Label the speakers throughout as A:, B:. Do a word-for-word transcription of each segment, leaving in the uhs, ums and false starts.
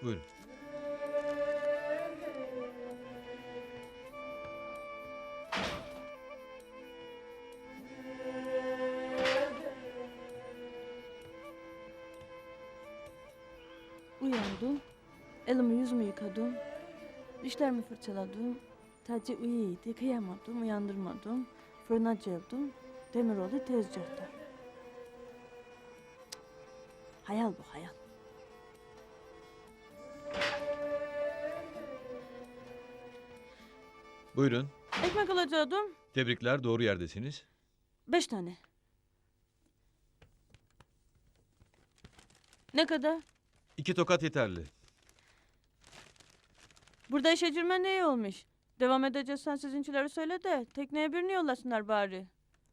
A: Buyurun.
B: Uyandım. Elimi yüzümü yıkadım. Dişlerimi fırçaladım. Taci uyuydu. Kıyamadım. Uyandırmadım. Fırına geldim. Demiroğlu tezgahta. Cık. Hayal bu hayal.
A: Buyurun.
B: Ekmek alacaktım.
A: Tebrikler, doğru yerdesiniz.
B: Beş tane. Ne kadar?
A: İki tokat yeterli.
B: Burada işe girmen ne iyi olmuş. Devam edeceksen sizinkileri söyle de tekneye birini yollasınlar bari.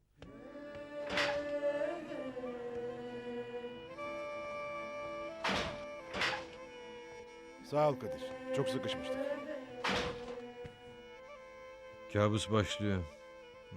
C: Sağ ol Kadir. Çok sıkışmıştık.
A: Kabus başlıyor. Hı.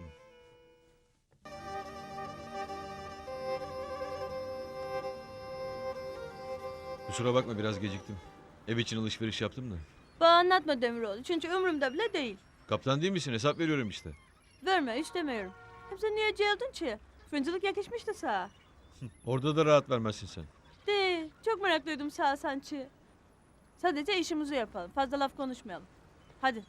A: Kusura bakma, biraz geciktim. Ev için alışveriş yaptım da.
B: Bana anlatma Demiroğlu çünkü ömrümde bile değil.
A: Kaptan değil misin? Hesap veriyorum işte.
B: Verme istemiyorum. Hem sen niye geldin ki? Fırıncılık yakışmıştı sağa.
A: Orada da rahat vermezsin sen.
B: De, çok meraklıydım sağa sanki. Sadece işimizi yapalım. Fazla laf konuşmayalım. Hadi.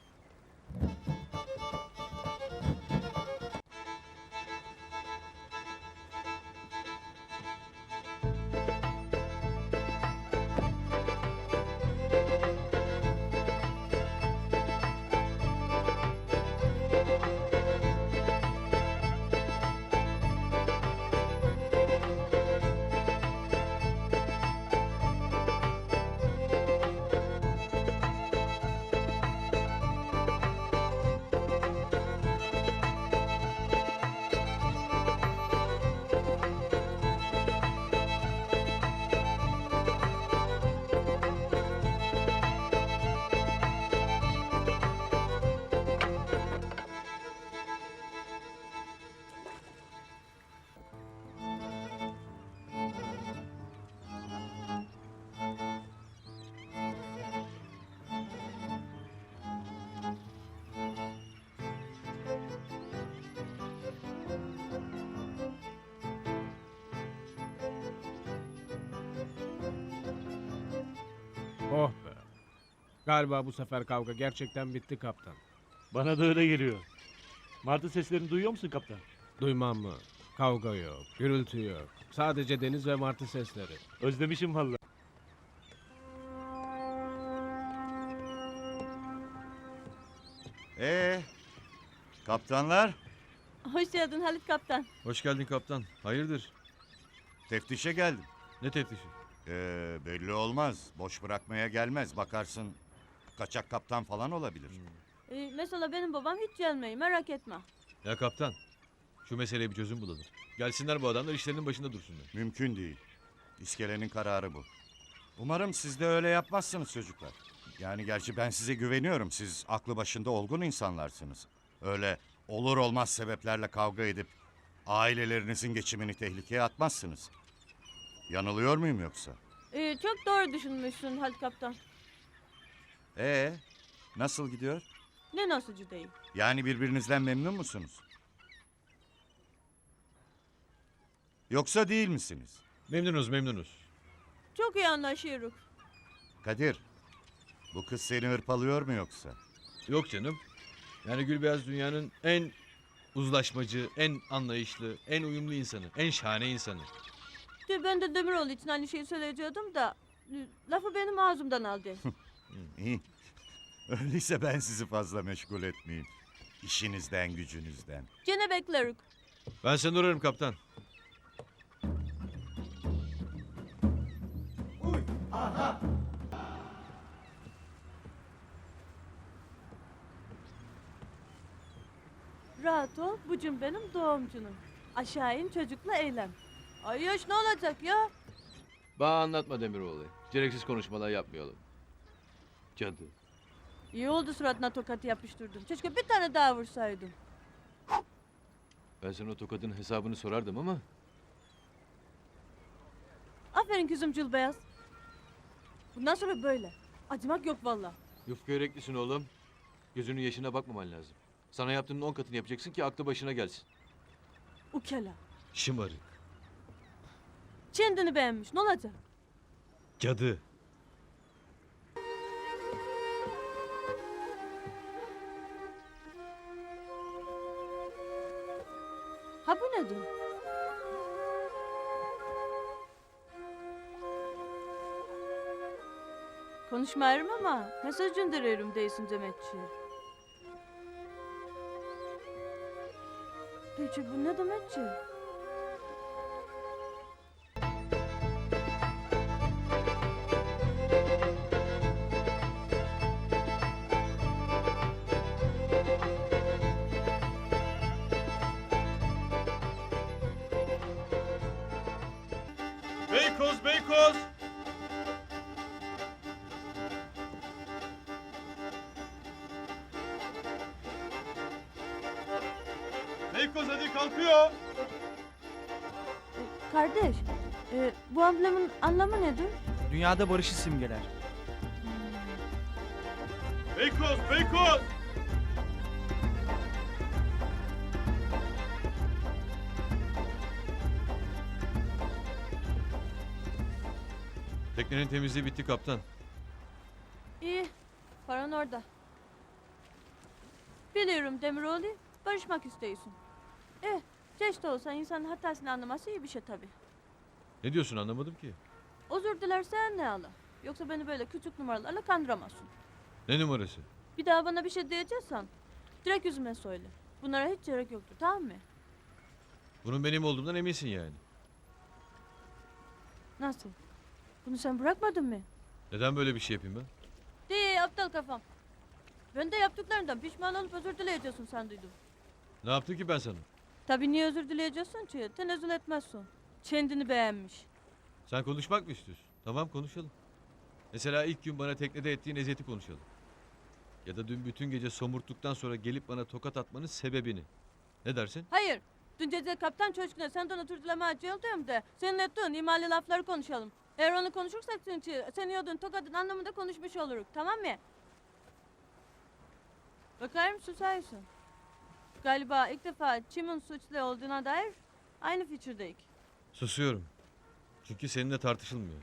D: Oh be. Galiba bu sefer kavga gerçekten bitti kaptan.
E: Bana da öyle geliyor. Martı seslerini duyuyor musun kaptan?
D: Duymam mı? Kavga yok, gürültü yok. Sadece deniz ve martı sesleri.
E: Özlemişim valla.
F: Ee, kaptanlar
B: Hoş geldin Halit Kaptan.
A: Hoş geldin kaptan. Hayırdır?
F: teftişe geldim.
A: Ne teftişi?
F: Ee, belli olmaz. Boş bırakmaya gelmez. Bakarsın kaçak kaptan falan olabilir.
B: Ee, mesela benim babam hiç gelmeyi merak etme.
A: Ya kaptan, şu meseleye bir çözüm bulalım. Gelsinler bu adamlar, işlerinin başında dursunlar.
F: Mümkün değil. İskelenin kararı bu. Umarım siz de öyle yapmazsınız çocuklar. Yani gerçi ben size güveniyorum. Siz aklı başında olgun insanlarsınız. Öyle olur olmaz sebeplerle kavga edip ailelerinizin geçimini tehlikeye atmazsınız. Yanılıyor muyum yoksa?
B: Ee, çok doğru düşünmüşsün Halit Kaptan.
F: Ee, nasıl gidiyor?
B: Ne nasılcı değil.
F: Yani birbirinizden memnun musunuz? Yoksa değil misiniz?
A: Memnunuz, memnunuz.
B: Çok iyi anlaşıyoruz.
F: Kadir, bu kız seni hırpalıyor mu yoksa?
A: Yok canım. Yani Gülbeyaz dünyanın en uzlaşmacı, en anlayışlı, en uyumlu insanı, en şahane insanı.
B: De, ben de Demiroğlu için aynı şeyi söyleyecektim da... e, Lafı benim ağzımdan aldı.
F: İyi. Öyleyse ben sizi fazla meşgul etmeyeyim. İşinizden, gücünüzden.
B: Gene bekleriz.
A: Ben seni ararım kaptan.
B: Rahat ol, bucum benim doğumcunum. Aşağı in çocukla eğlen. Ay yaş ne olacak ya?
G: Bana anlatma Demiroğlu. Gereksiz konuşmalar yapmayalım. Cadı.
B: İyi oldu suratına tokatı yapıştırdım. Keşke bir tane daha vursaydım.
G: Ben sana o tokadın hesabını sorardım ama...
B: Aferin kızım Cülbeyaz. Bundan sonra böyle. Acımak yok valla.
G: Yufka yüreklisin oğlum. Gözünün yaşına bakmaman lazım. Sana yaptığının on katını yapacaksın ki aklı başına gelsin.
B: Ukala.
A: Şımarık.
B: Kendini beğenmiş. Ne olacak?
A: Cadı.
B: Ha bu nedir? Konuşmuyorum ama mesaj gönderiyorum değilsin Demetçi. Peki bu ne Demetçi?
A: Beykoz, Beykoz! Beykoz hadi kalkıyor.
B: Kardeş, e, bu amblemin anlamı nedir?
H: Dünyada barışı simgeler.
A: Beykoz, Beykoz! Teknenin temizliği bitti kaptan.
B: İyi, paran orada. Biliyorum Demiroğlu, barışmak istiyorsun. Eh, geç de olsa insanın hatasını anlaması iyi bir şey tabii.
A: Ne diyorsun anlamadım ki.
B: Özür dilersen ne ala? Yoksa beni böyle küçük numaralarla kandıramazsın.
A: Ne numarası?
B: Bir daha bana bir şey diyeceksen direkt yüzüme söyle. Bunlara hiç gerek yoktur, tamam mı?
A: Bunun benim olduğumdan eminsin yani.
B: Nasıl? Bunu sen bırakmadın mı?
A: Neden böyle bir şey yapayım ben?
B: De aptal kafam. Ben de yaptıklarından pişman olup özür dileyeceksin sen duydum.
A: Ne yaptım ki ben sana?
B: Tabii niye özür dileyeceksin ki? Tenezzül etmezsin. Kendini beğenmiş.
A: Sen konuşmak mı istiyorsun? Tamam konuşalım. Mesela ilk gün bana teknede ettiğin eziyeti konuşalım. Ya da dün bütün gece somurttuktan sonra gelip bana tokat atmanın sebebini. Ne dersin?
B: Hayır. Dün gece kaptan çocukla senden özür dileme acıyordum da senin ettiğin imalı lafları konuşalım. Eğer onu konuşursak çünkü sen yiyordun tokadın anlamında konuşmuş oluruz. Tamam mı? Bakayım susayısın. Galiba ilk defa kimin suçlu olduğuna dair aynı fikirdeyiz.
A: Susuyorum. Çünkü seninle tartışılmıyor.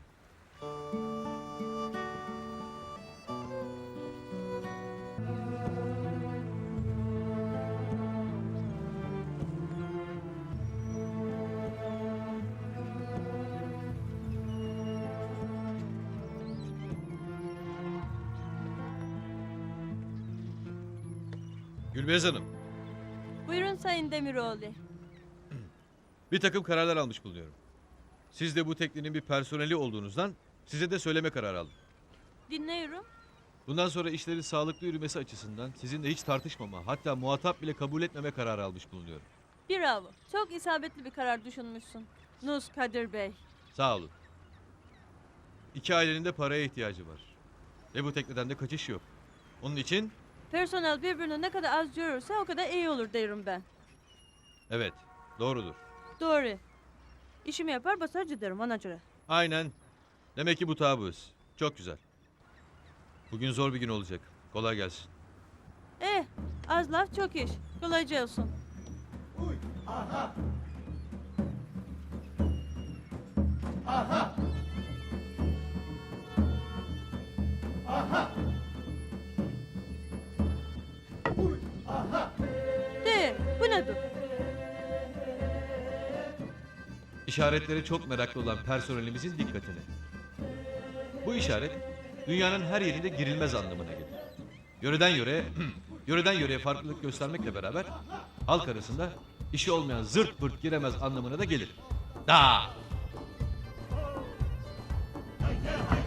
A: Gülbeyaz Hanım,
B: Buyurun Sayın Demiroğlu.
A: bir takım kararlar almış bulunuyorum. Siz de bu teknenin bir personeli olduğunuzdan size de söyleme kararı aldım.
B: Dinliyorum.
A: Bundan sonra işlerin sağlıklı yürümesi açısından sizinle hiç tartışmama, hatta muhatap bile kabul etmeme kararı almış bulunuyorum.
B: Bravo. Çok isabetli bir karar düşünmüşsün. Nus Kadir Bey.
A: Sağ olun. İki ailenin de paraya ihtiyacı var. Ve bu tekneden de kaçış yok. Onun için
B: Personel birbirini ne kadar az görürse o kadar iyi olur derim ben.
A: evet, doğrudur.
B: Doğru. İşimi yapar basar giderim ona göre.
A: Aynen. Demek ki bu tabuz. Çok güzel. Bugün zor bir gün olacak. Kolay gelsin.
B: Eh, az laf çok iş. Kolayca olsun. De, bu nedir?
A: İşaretlere çok meraklı olan personelimizin dikkatine. Bu işaret dünyanın her yerinde girilmez anlamına gelir. Yöreden yöreye, yöreden yöreye farklılık göstermekle beraber halk arasında işi olmayan zırt pırt giremez anlamına da gelir. Da!